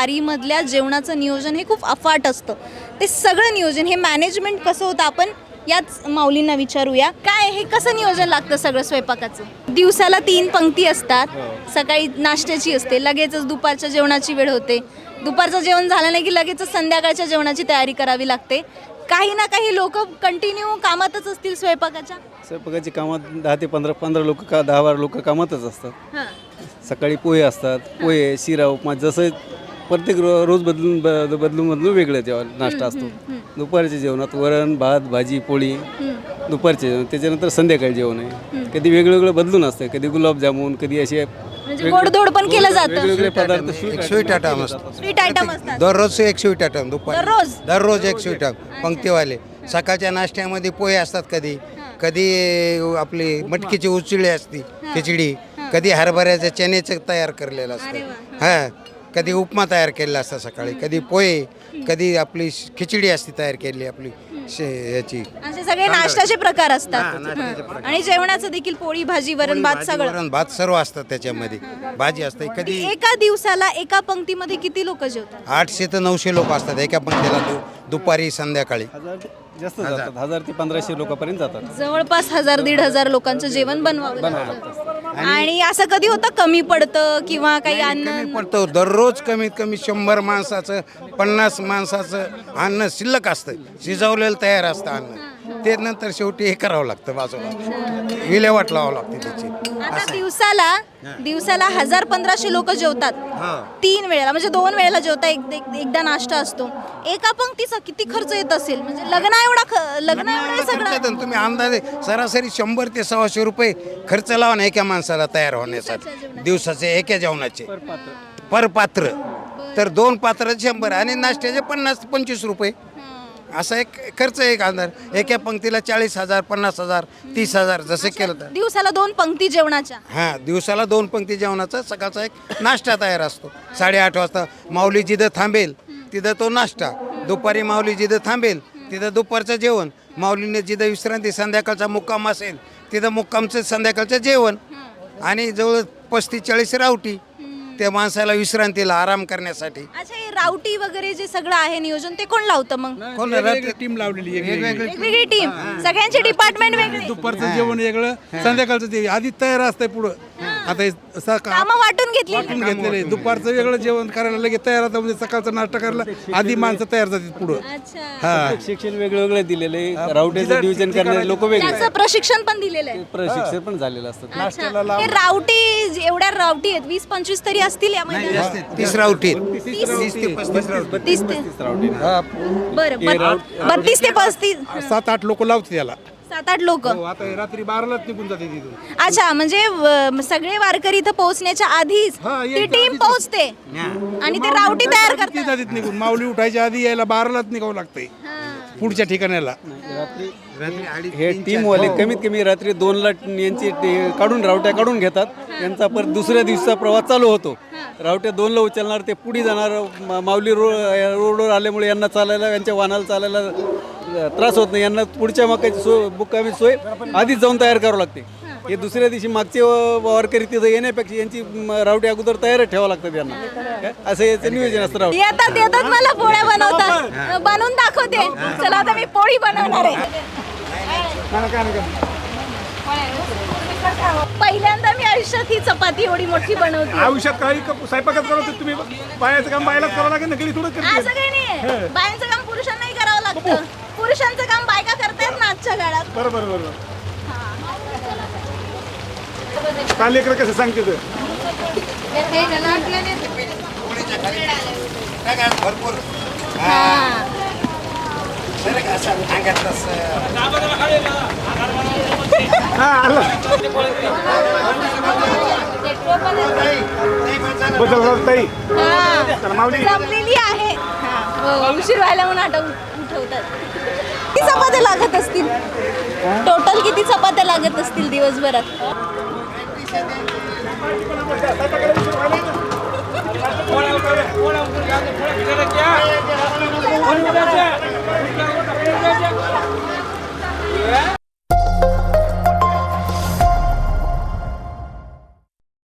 वारीमधल्या जेवणाचं नियोजन हे खूप अफाट असतं. ते सगळं नियोजन हे मॅनेजमेंट कसं होतं आपण याच माऊलींना विचारूया. काय हे कसं नियोजन लागतं सगळं स्वयंपाकाचं? दिवसाला 3 पंक्ती असतात. सकाळी नाश्त्याची असते, लगेचच दुपारच्या जेवणाची वेळ होते. दुपारचं जेवण झालं नाही की लगेचच संध्याकाळच्या जेवणाची तयारी करावी लागते. काही ना काही लोक कंटिन्यू कामातच असतील स्वयंपाकाची कामात 10 ते 15 लोक 10-12 लोक कामातच असतात. सकाळी पोहे असतात, पोहे शिरा उपमा, जसं प्रत्येक रोज बदलून वेगळं जेवण नाश्ता असतो. दुपारच्या जेवणात वरण भात भाजी पोळी दुपारचे जेवण, त्याच्यानंतर संध्याकाळी जेवण आहे. कधी वेगळं बदलून असतं, कधी गुलाबजामुन, कधी असे गोडधोड पण केलं जातं. वेगवेगळे पदार्थ स्वीट आयटम असतात. स्वीट आयटम असतात दररोज एक स्वीट आयटम दुपारी दररोज एक स्वीट आयटम पंक्तीवाले. सकाळच्या नाश्त्यामध्ये पोहे असतात, कधी कधी आपली मटकीची उचळी असते खिचडी, कधी हरभऱ्याच्या चण्याचं तयार केलेलं असतं. हां, कधी उपमा तयार केलेला असता सकाळी, कधी पोहे, कधी आपली खिचडी असते तयार केलेली आपली याची. असे सगळे नाश्त्याचे प्रकार असतात. आणि जेवणाचं देखील पोळी भाजी वरण भात सगळं. वरण भात सर्व असतात त्याच्यामध्ये, भाजी असते. कधी एका दिवसाला एका पंक्तीमध्ये किती लोक जेवतात? 800 ते 900 लोक असतात एका पंक्तीला दुपारी संध्याकाळी. जास्त जातात, 1000 ते 1500 लोकांपर्यंत जातात. जवळपास 1000-1500 लोकांचं जेवण बनवावं लागतं. आणि असं कधी होतं कमी पडतं किंवा काही अन्न पडतो? दररोज कमीत कमी 100 माणसाचं 50 माणसाचं अन्न शिल्लक असतं, शिजवलेलं तयार असतं अन्न. ते नंतर शेवटी हे करावं लागतं, बाजूला विल्हेवाट लावावं लागते त्याची. आता दिवसाला 1000-1500 लोक जेवतात 3 वेळेला, म्हणजे 2 वेळेला जेवता, एकदा नाश्ता असतो. एका पंक्तीचा किती खर्च येत असेल? म्हणजे लग्न एवढं सगळं तुम्ही अंदाजे सरासरी 100 ते 100 रुपये खर्च लावा ना एका माणसाला तयार होण्यासाठी दिवसाचे एका जेवणाचे पर पात्र. तर 2 पात्र 100 आणि नाश्त्याचे 50-25 रुपये असा एक खर्च. एक अंदाज एका पंक्तीला 40,000 50,000 30,000 जसे केलं तर. दिवसाला 2 पंक्ती जेवणाच्या. हां, दिवसाला 2 पंक्ती जेवणाचा सकाळचा एक नाश्ता तयार असतो. 8:30 वाजता माऊली जिथं थांबेल तिथं तो नाश्ता, दुपारी माऊली जिथं थांबेल तिथं दुपारचं जेवण, माऊलीने जिथं विश्रांती संध्याकाळचा मुक्काम असेल तिथं मुक्कामचं संध्याकाळचं जेवण, आणि जवळ 35-40 रावटी त्या माणसाला विश्रांतीला आराम करण्यासाठी. अच्छा, हे रावटी वगैरे जे सगळं आहे नियोजन ते कोण लावतं मग? कोण टीम लावलेली आहे, वेगवेगळी टीम, सगळ्यांचे डिपार्टमेंट वेगळे, दुपारचं जेवण वेगळं, संध्याकाळचं ते आधी तयार असतंय पुढं. आता हे कामं वाटून घेतलेले, दुपारचं वेगळं जेवण करायला लगेच तयार होतं, म्हणजे सकाळचा नाश्ता करायला आधी माणसं तयार जातात पुढं. अच्छा, शिक्षण वेगळे दिलेले, रावटीचं डिव्हिजन करणारे लोक वेगळे, त्याचं प्रशिक्षण पण दिलेलं आहे. प्रशिक्षण पण झालेलं असतं. अच्छा, हे रावटी एवढ्या रावटी आहेत 20-25 तरी असतील या महिन्यात. 30 रावटी 30 ते 35 रावटी. बरं, 32 ते 35 7-8 लोक लावते त्याला. 7-8 लोक. आता हे रात्री 12लाच निघून जाते तिथून. अच्छा, म्हणजे सगळे वारकरी इथं पोहोचण्याच्या आधीच ती टीम पोहोचते आणि ते रावटी तयार करतात. जातीत निघून माऊली उठायच्या आधी यायला 12लाच निघावं लागतंय पुढच्या ठिकाणाला. हे टीमवाले कमीत कमी रात्री 2ला यांची रावट्या काढून घेतात. यांचा परत दुसऱ्या दिवसाचा प्रवास चालू होतो. रावट्या 2ला उचलणार, ते पुढे जाणार. माऊली रोडवर आल्यामुळे यांना चालायला, यांच्या वाहनाला चालायला त्रास होत नाही. यांना पुढच्या मकाची मुक्कामी सोय आधीच जाऊन तयार करावं लागते. हे दुसऱ्या दिवशी मागचे वारकरी तिथं येण्यापेक्षा यांची रावटी अगोदर तयार ठेवावं लागतं यांना. असं याचं नियोजन असतं. रावटी येतात मला पोळ्या बनवतात, बनवून दाखवते. चला आता मी पोळी बनवणार आहे. पहिल्यांदा मी आयुष्यात ही चपाती एवढी मोठी बनवते. आयुष्यात काही स्वयंपाकात करत तुम्ही बायाचं काम बायलाच करावं लागेल ना, थोडं असं काही नाही. बायांचं काम पुरुषांनाही करावं लागतं. पुरुषांचं काम बायका करतायत ना आजच्या काळात. बरोबर. काल लेकर कसं सांगते तू? भरपूर जमलेली आहे. उशीर व्हायला म्हणून उठवतात. किती चपात्या लागत असतील टोटल? किती चपात्या लागत असतील दिवसभरात?